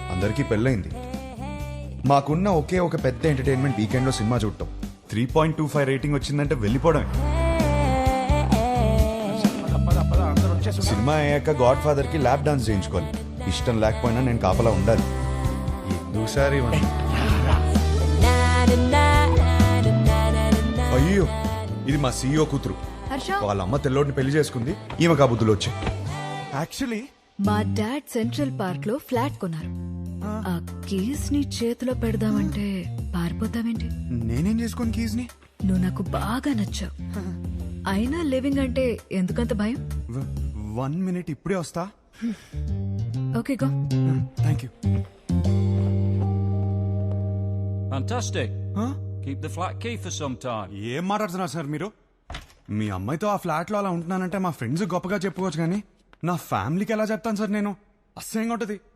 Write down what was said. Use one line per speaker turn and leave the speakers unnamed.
అందరికీ పెళ్ళైంది. మాకున్న ఒకే ఒక పెద్ద ఎంటర్టైన్మెంట్ వీకెండ్ లో సినిమా చూడటం. 3.25 రేటింగ్ వచ్చిందంటే వెళ్ళిపోవడమే. సినిమా అయ్యాక గాడ్ ఫాదర్ కి ల్యాప్ డాన్స్ చేయించుకోవాలి. ఇష్టం లేకపోయినా నేను కాపలా ఉండాలి. ఎందుకు సార్ ఇవన్నీ? అయ్యో, ఇది మా సీఈఓ కూతురు. వాళ్ళ అమ్మ తెల్లోడిని పెళ్లి చేసుకుంది. ఈమె కాబుద్దులు వచ్చాయి.
యాక్చువల్లీ
మా డాడ్ సెంట్రల్ పార్క్ లో ఫ్లాట్ కొన్నారు. ఆ కీస్ ని చేతిలో పెడదామంటే పారిపోతావేంటి?
నేనేం చేసుకోను కీస్ ని.
నువ్వు నాకు బాగా నచ్చావు. అయినా లివింగ్ అంటే ఎందుకంత భయం?
1 minute ఇప్పుడే వస్తా.
Okay go.
Thank you.
Fantastic. Keep the flat key for some time.
ఏం మాట్లాడుతున్నారు సార్ మీరు? మీ అమ్మాయితో ఆ ఫ్లాట్ లో అలా ఉంటున్నానంటే మా ఫ్రెండ్స్ గొప్పగా చెప్పుకోవచ్చు, కానీ నా ఫ్యామిలీకి ఎలా చెప్తాను సార్ నేను? అసహ్యంగా ఉంటది.